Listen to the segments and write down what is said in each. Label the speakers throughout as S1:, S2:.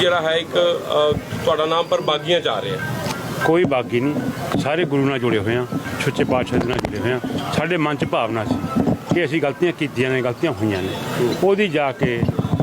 S1: ਜਿਹੜਾ ਹੈ ਇੱਕ ਤੁਹਾਡਾ ਨਾਮ ਪਰ ਬਾਗੀਆਂ 'ਚ ਆ ਰਿਹਾ।
S2: ਕੋਈ ਬਾਗੀ ਨਹੀਂ, ਸਾਰੇ ਗੁਰੂ ਨਾਲ ਜੁੜੇ ਹੋਏ ਹਾਂ, ਸੱਚੇ ਪਾਤਸ਼ਾਹ ਦੇ ਨਾਲ ਜੁੜੇ ਹੋਏ ਹਾਂ। ਸਾਡੇ ਮਨ 'ਚ ਭਾਵਨਾ ਸੀ ਕਿ ਅਸੀਂ ਗਲਤੀਆਂ ਕੀਤੀਆਂ ਨੇ, ਗਲਤੀਆਂ ਹੋਈਆਂ ਨੇ, ਉਹਦੀ ਜਾ ਕੇ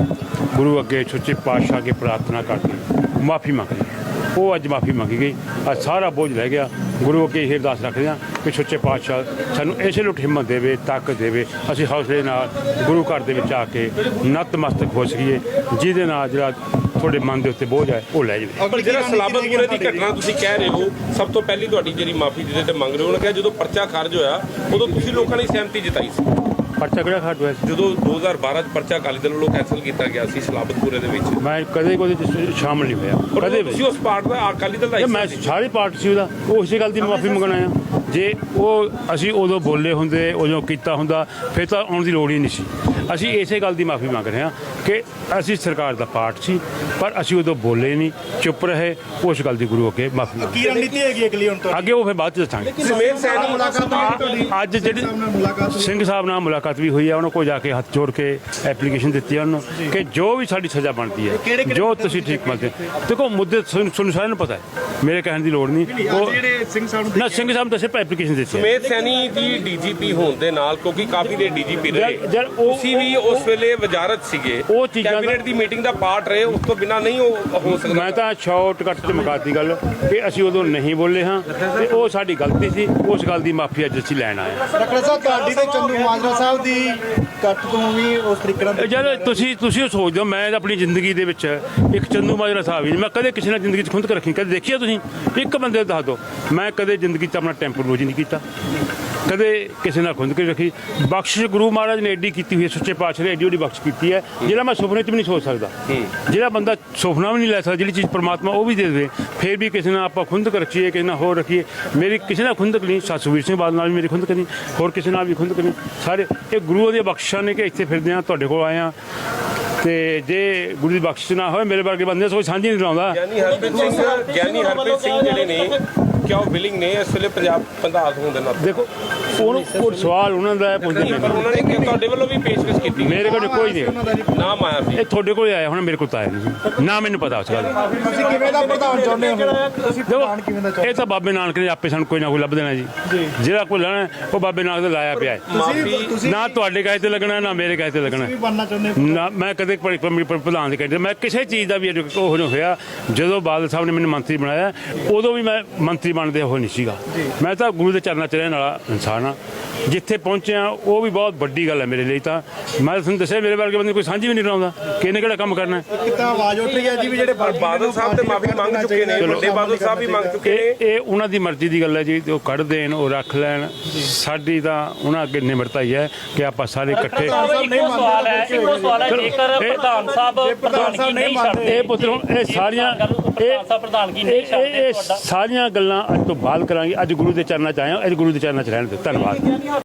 S2: ਗੁਰੂ ਅੱਗੇ ਸੱਚੇ ਪਾਤਸ਼ਾਹ ਅੱਗੇ ਪ੍ਰਾਰਥਨਾ ਕਰਕੇ ਮਾਫੀ ਮੰਗ ਲਈ। ਉਹ ਅੱਜ ਮਾਫੀ ਮੰਗੀ ਗਈ, ਅੱਜ ਸਾਰਾ ਬੋਝ ਲੈ ਗਿਆ। ਗੁਰੂ ਅੱਗੇ ਇਹ ਅਰਦਾਸ ਰੱਖਦੇ ਹਾਂ ਕਿ ਸੱਚੇ ਪਾਤਸ਼ਾਹ ਸਾਨੂੰ ਇਸੇ ਲੁੱਟ ਹਿੰਮਤ ਦੇਵੇ, ਤਾਕਤ ਦੇਵੇ, ਅਸੀਂ ਹੌਸਲੇ ਨਾਲ ਗੁਰੂ ਘਰ ਦੇ ਵਿੱਚ ਆ ਕੇ ਨਤਮਸਤਕ ਹੋ ਸਕੀਏ, ਜਿਹਦੇ ਨਾਲ ਜਿਹੜਾ ਤੁਹਾਡੇ ਮਨ ਦੇ ਉੱਤੇ ਬੋਝ ਹੈ ਉਹ ਲੈ ਜਾਵੇ।
S1: ਪਰ ਜਿਹੜਾ ਸਲਾਬਤਪੁਰੇ ਦੀ ਘਟਨਾ ਤੁਸੀਂ ਕਹਿ ਰਹੇ ਹੋ, ਸਭ ਤੋਂ ਪਹਿਲੀ ਤੁਹਾਡੀ ਜਿਹੜੀ ਮਾਫੀ ਜਿਹਦੇ ਤੇ ਮੰਗ ਰਹੇ ਹੋ, ਉਹਨੇ ਕਿਹਾ ਜਦੋਂ ਪਰਚਾ ਖਾਰਜ ਹੋਇਆ ਉਦੋਂ ਤੁਸੀਂ ਲੋਕਾਂ ਨੇ ਸਹਿਮਤੀ ਜਤਾਈ ਸੀ।
S2: ਪਰਚਾ ਕਿਹੜਾ ਖਾਰਜ ਹੋਇਆ?
S1: ਜਦੋਂ 2012 'ਚ ਪਰਚਾ ਅਕਾਲੀ ਦਲ ਵੱਲੋਂ ਕੈਂਸਲ ਕੀਤਾ ਗਿਆ ਸੀ ਸਲਾਬਤਪੁਰੇ ਦੇ ਵਿੱਚ।
S2: ਮੈਂ ਕਦੇ ਕੋਈ ਸ਼ਾਮਲ ਨਹੀਂ ਹੋਇਆ, ਕਦੇ ਵੀ।
S1: ਤੁਸੀਂ ਉਸ ਪਾਰਟ ਦਾ ਅਕਾਲੀ ਦਲ ਦਾ
S2: ਮੈਂ ਸਾਰੇ ਪਾਰਟ ਸੀ ਉਹਦਾ, ਉਹ ਇਸੇ ਗੱਲ ਦੀ ਮਾਫੀ ਮੰਗਣ ਆਇਆ। ਜੇ ਉਹ ਅਸੀਂ ਉਦੋਂ ਬੋਲੇ ਹੁੰਦੇ, ਉਦੋਂ ਕੀਤਾ ਹੁੰਦਾ, ਫਿਰ ਤਾਂ ਆਉਣ ਦੀ ਲੋੜ ਹੀ ਨਹੀਂ ਸੀ। ਅਸੀਂ ਇਸੇ ਗੱਲ ਦੀ ਮਾਫੀ ਮੰਗ ਰਹੇ ਹਾਂ ਕਿ ਅਸੀਂ ਸਰਕਾਰ ਦਾ ਪਾਰਟ ਸੀ, ਪਰ ਅਸੀਂ ਉਦੋਂ ਬੋਲੇ ਨਹੀਂ, ਚੁੱਪ ਰਹੇ। ਉਸ ਗੱਲ ਦੀ ਗੁਰੂ ਅੱਗੇ ਮਾਫੀ ਮੰਗ।
S3: ਕੀ ਰਣਨੀਤੀ ਹੈਗੀ ਅਗਲੀ ਹੁਣ ਤੋਂ?
S2: ਅੱਗੇ ਉਹ ਫਿਰ ਬਾਅਦ ਚ ਦੱਸਾਂਗੇ।
S1: ਸੁਮੇਧ ਸੈਣੀ ਮੁਲਾਕਾਤ
S2: ਅੱਜ ਜਿਹੜੀ ਸਿੰਘ ਸਾਹਿਬ ਨਾਲ ਮੁਲਾਕਾਤ ਵੀ ਹੋਈ ਹੈ, ਉਹਨਾਂ ਕੋਲ ਜਾ ਕੇ ਹੱਥ ਜੋੜ ਕੇ ਐਪਲੀਕੇਸ਼ਨ ਦਿੱਤੀ ਹੈ ਉਹਨੂੰ ਕਿ ਜੋ ਵੀ ਸਾਡੀ ਸਜ਼ਾ ਬਣਦੀ ਹੈ, ਜੋ ਤੁਸੀਂ ਠੀਕ ਮੰਨਦੇ। ਦੇਖੋ ਮੁੱਦੇ ਤੁਹਾਨੂੰ ਸਾਰਿਆਂ ਨੂੰ ਪਤਾ ਹੈ, ਮੇਰੇ ਕਹਿਣ ਦੀ ਲੋੜ ਨਹੀਂ। ਉਹ
S3: ਜਿਹੜੇ ਸਿੰਘ ਸਾਹਿਬ
S2: ਨਾ ਸਿੰਘ ਸਾਹਿਬ ਦੱਸੇ ਐਪਲੀਕੇਸ਼ਨ ਦਿੱਤੀ ਹੈ।
S1: ਸੁਮੇਧ ਸੈਣੀ ਦੀ ਡੀਜੀਪੀ ਹੋਣ ਦੇ ਨਾਲ, ਕਿਉਂਕਿ ਕਾਫੀ ਦੇ ਡੀਜੀਪੀ ਰਹੇ, ਤੁਸੀਂ ਵੀ ਉਸ ਵੇਲੇ ਵਜ਼ਾਰਤ ਸੀਗੇ,
S2: ਉਹ ਚੀਜ਼ਾਂ
S1: ਕੈਬਨਿਟ ਦੀ ਮੀਟਿੰਗ ਦਾ ਪਾਰਟ ਰਹੇ, ਉਸ ਤੋਂ ਬਿਨਾਂ ਨਹੀਂ ਹੋ ਸਕਦਾ।
S2: ਮੈਂ ਤਾਂ ਸ਼ਾਰਟਕੱਟ ਤੇ ਮੁਕਾਤੀ ਗੱਲ ਕਿ ਅਸੀਂ ਉਦੋਂ ਨਹੀਂ ਬੋਲੇ ਹਾਂ ਤੇ ਉਹ ਸਾਡੀ ਗਲਤੀ ਸੀ। ਉਸ ਗੱਲ ਦੀ ਮਾਫੀ ਅੱਜ ਅਸੀਂ ਲੈਣ ਆਏ ਹਾਂ।
S3: ਡਾਕਟਰ ਸਾਹਿਬ ਤੁਹਾਡੀ ਤੇ ਚੰਦੂ ਮਾਜਰਾ ਸਾਹਿਬ ਦੀ ਕੱਟ ਤੋਂ ਵੀ ਉਸ ਤਰੀਕੇ ਨਾਲ
S2: ਜਦ ਤੁਸੀਂ ਉਹ ਸੋਚਦੇ ਹੋ, ਮੈਂ ਆਪਣੀ ਜ਼ਿੰਦਗੀ ਦੇ ਵਿੱਚ ਇੱਕ ਚੰਦੂ ਮਾਜਰਾ ਸਾਹਿਬ ਹੀ, ਮੈਂ ਕਦੇ ਕਿਸੇ ਨਾਲ ਜ਼ਿੰਦਗੀ 'ਚ ਖੁੰਦ ਕੇ ਰੱਖੀ, ਕਦੇ ਦੇਖਿਆ ਤੁਸੀਂ? ਇੱਕ ਬੰਦੇ ਦੱਸ ਦਿਓ। ਮੈਂ ਕਦੇ ਜ਼ਿੰਦਗੀ 'ਚ ਆਪਣਾ ਟੈਂਪਰੋਲੋਜੀ ਨਹੀਂ ਕੀਤਾ, ਕਦੇ ਕਿਸੇ ਨਾਲ ਖੁੰਦ ਕੇ ਰੱਖੀ। ਬਖਸ਼ਿਸ਼ ਗੁਰੂ ਮਹਾਰਾਜ ਨੇ ਐਡੀ ਕੀਤੀ ਹੋਈ ਹੈ, ਸੱਚੇ ਪਾਤਸ਼ਾਹ ਨੇ ਐਡੀ ਵੱਡੀ ਬਖਸ਼ ਕੀਤੀ ਹੈ, ਜਿਹੜਾ ਮੈਂ ਸੁਪਨੇ 'ਚ ਵੀ ਨਹੀਂ ਸੋਚ ਸਕਦਾ। ਜਿਹੜਾ ਬੰਦਾ ਸੁਪਨਾ ਵੀ ਨਹੀਂ ਲੈ ਸਕਦਾ, ਜਿਹੜੀ ਚੀਜ਼ ਪਰਮਾਤਮਾ ਉਹ ਵੀ ਦੇ ਦੇਵੇ, ਫਿਰ ਵੀ ਕਿਸੇ ਨਾਲ ਆਪਾਂ ਖੁੰਦਕ ਰੱਖੀਏ, ਕਿਸੇ ਨਾਲ ਹੋਰ ਰੱਖੀਏ। ਮੇਰੀ ਕਿਸੇ ਨਾਲ ਖੁੰਦਕ ਨਹੀਂ, ਸੁਖਬੀਰ ਸਿੰਘ ਬਾਦਲ ਨਾਲ ਵੀ ਮੇਰੀ ਖੁੰਦਕ ਨਹੀਂ, ਹੋਰ ਕਿਸੇ ਨਾਲ ਵੀ ਖੁੰਦਕ ਨਹੀਂ। ਸਾਰੇ ਇਹ ਗੁਰੂ ਦੀਆਂ ਬਖਸ਼ਿਸ਼ਾਂ ਨੇ ਕਿ ਇੱਥੇ ਫਿਰਦੇ ਹਾਂ, ਤੁਹਾਡੇ ਕੋਲ ਆਏ ਹਾਂ। ਤੇ ਜੇ ਗੁਰੂ ਦੀ ਬਖਸ਼ਿਸ਼ ਨਾ ਹੋਵੇ, ਮੇਰੇ ਵਰਗੇ ਬੰਦੇ ਕੋਈ ਸਾਂਝੀ ਨਹੀਂ ਲਾਉਂਦਾ।
S1: ਗਿਆਨੀ ਹਰਪ੍ਰੀਤ ਸਿੰਘ ਜਿਹੜੇ ਨੇ, ਕਿਆ ਉਹ ਵਿਲਿੰਗ ਨੇ ਇਸ ਵੇਲੇ ਪੰਜਾਬ ਪ੍ਰਧਾਨ ਹੋਣ ਦੇ ਨਾਲ?
S2: ਦੇਖੋ ਉਹਨੂੰ ਕੋਈ ਸਵਾਲ ਉਹਨਾਂ ਦਾ ਪੁੱਛਦੇ ਨੇ,
S1: ਪਰ ਉਹਨਾਂ ਨੇ ਤੁਹਾਡੇ ਵੱਲੋਂ ਵੀ ਪੇਸ਼ਕਸ਼ ਕੀਤੀ,
S2: ਮੇਰੇ ਕੋਲ ਕੋਈ ਨਹੀਂ
S1: ਨਾਮ ਆਇਆ ਸੀ।
S2: ਇਹ ਤੁਹਾਡੇ ਕੋਲ ਆਇਆ ਹੁਣ, ਮੇਰੇ ਕੋਲ ਤਾਂ ਆਇਆ ਨਹੀਂ ਨਾ, ਮੈਨੂੰ ਪਤਾ ਉਸ ਗੱਲ ਦਾ।
S3: ਤੁਸੀਂ ਕਿਵੇਂ ਦਾ ਪ੍ਰਧਾਨ ਚਾਹੁੰਦੇ ਹੋ? ਤੁਸੀਂ ਪ੍ਰਧਾਨ ਕਿਵੇਂ ਦਾ ਚਾਹੁੰਦੇ?
S2: ਇਹ ਤਾਂ ਬਾਬੇ ਨਾਨਕ ਨੇ ਆਪੇ ਸਾਨੂੰ ਕੋਈ ਨਾ ਕੋਈ ਲੱਭ ਦੇਣਾ ਜੀ। ਜਿਹੜਾ ਕੋਈ ਲੈਣਾ ਉਹ ਬਾਬੇ ਨਾਨਕ ਦਾ ਲਾਇਆ ਪਿਆ ਹੈ।
S3: ਤੁਸੀਂ
S2: ਨਾ ਤੁਹਾਡੇ ਕਹੇ ਤੇ ਲੱਗਣਾ, ਨਾ ਮੇਰੇ ਕਹੇ ਤੇ ਲੱਗਣਾ।
S3: ਵੀ ਬਣਨਾ ਚਾਹੁੰਦੇ ਹੋ?
S2: ਨਾ ਮੈਂ ਕਦੇ ਪ੍ਰਧਾਨ ਦੇ ਕਹਿੰਦੇ, ਮੈਂ ਕਿਸੇ ਚੀਜ਼ ਦਾ ਵੀ ਉਹ ਨਹੀਂ ਹੋਇਆ। ਜਦੋਂ ਬਾਦਲ ਸਾਹਿਬ ਨੇ ਮੈਨੂੰ ਮੰਤਰੀ ਬਣਾਇਆ, ਉਦੋਂ ਵੀ ਮੈਂ ਮੰਤਰੀ ਬਣਦੇ ਉਹ ਨਹੀਂ ਸੀਗਾ। ਮੈਂ ਤਾਂ ਗੁਰੂ ਦੇ ਚਰਨਾਂ 'ਚ ਰਹਿਣ ਵਾਲਾ ਇਨਸਾਨ ਹਾਂ। ਜਿੱਥੇ ਪਹੁੰਚਿਆ ਉਹ ਵੀ ਬਹੁਤ ਵੱਡੀ ਗੱਲ ਹੈ ਮੇਰੇ ਲਈ। ਤਾਂ ਮੈਂ ਤੁਹਾਨੂੰ ਦੱਸਿਆ, ਮੇਰੇ ਵਰਗੇ ਬੰਦੇ ਕੋਈ ਸਾਂਝੀ ਵੀ ਨਹੀਂ ਲਾਉਂਦਾ ਕਿ ਇਹਨੇ ਕਿਹੜਾ ਕੰਮ ਕਰਨਾ।
S3: ਕਿਤਾ ਆਵਾਜ਼ ਉੱਠ ਰਹੀ ਹੈ ਜੀ ਵੀ ਜਿਹੜੇ
S1: ਬਾਦਲ ਸਾਹਿਬ ਤੇ ਮਾਫੀ ਮੰਗ ਚੁੱਕੇ ਨੇ, ਵੱਡੇ ਬਾਦਲ ਸਾਹਿਬ ਵੀ ਮੰਗ ਚੁੱਕੇ ਨੇ।
S2: ਇਹ ਉਹਨਾਂ ਦੀ ਮਰਜ਼ੀ ਦੀ ਗੱਲ ਹੈ ਜੀ, ਉਹ ਕੱਢ ਦੇਣ, ਉਹ ਰੱਖ ਲੈਣ। ਸਾਡੀ ਤਾਂ ਉਹਨਾਂ ਅੱਗੇ ਨਿਮਰਤਾ ਹੀ ਹੈ ਕਿ ਆਪਾਂ ਸਾਰੇ ਇਕੱਠੇ।
S4: ਇੱਕੋ ਸਵਾਲ ਹੈ ਜੇਕਰ ਪ੍ਰਧਾਨ ਸਾਹਿਬ ਪ੍ਰਧਾਨਗੀ ਨਹੀਂ ਛੱਡਦੇ,
S2: ਇਹ ਪੁੱਤਰੋਂ ਇਹ ਸਾਰੀਆਂ
S4: ਪ੍ਰਧਾਨਗੀ ਨਹੀਂ ਛੱਡਦੇ,
S2: ਸਾਰੀਆਂ ਗੱਲਾਂ ਅੱਜ ਤੋਂ ਬਾਅਦ ਕਰਾਂਗੇ। ਅੱਜ ਗੁਰੂ ਦੇ ਚਰਨਾਂ 'ਚ ਆਏ ਹਾਂ, ਅੱਜ ਗੁਰੂ ਦੇ ਚਰਨਾਂ 'ਚ ਰਹਿਣ ਦਿਓ। ਧੰਨਵਾਦ।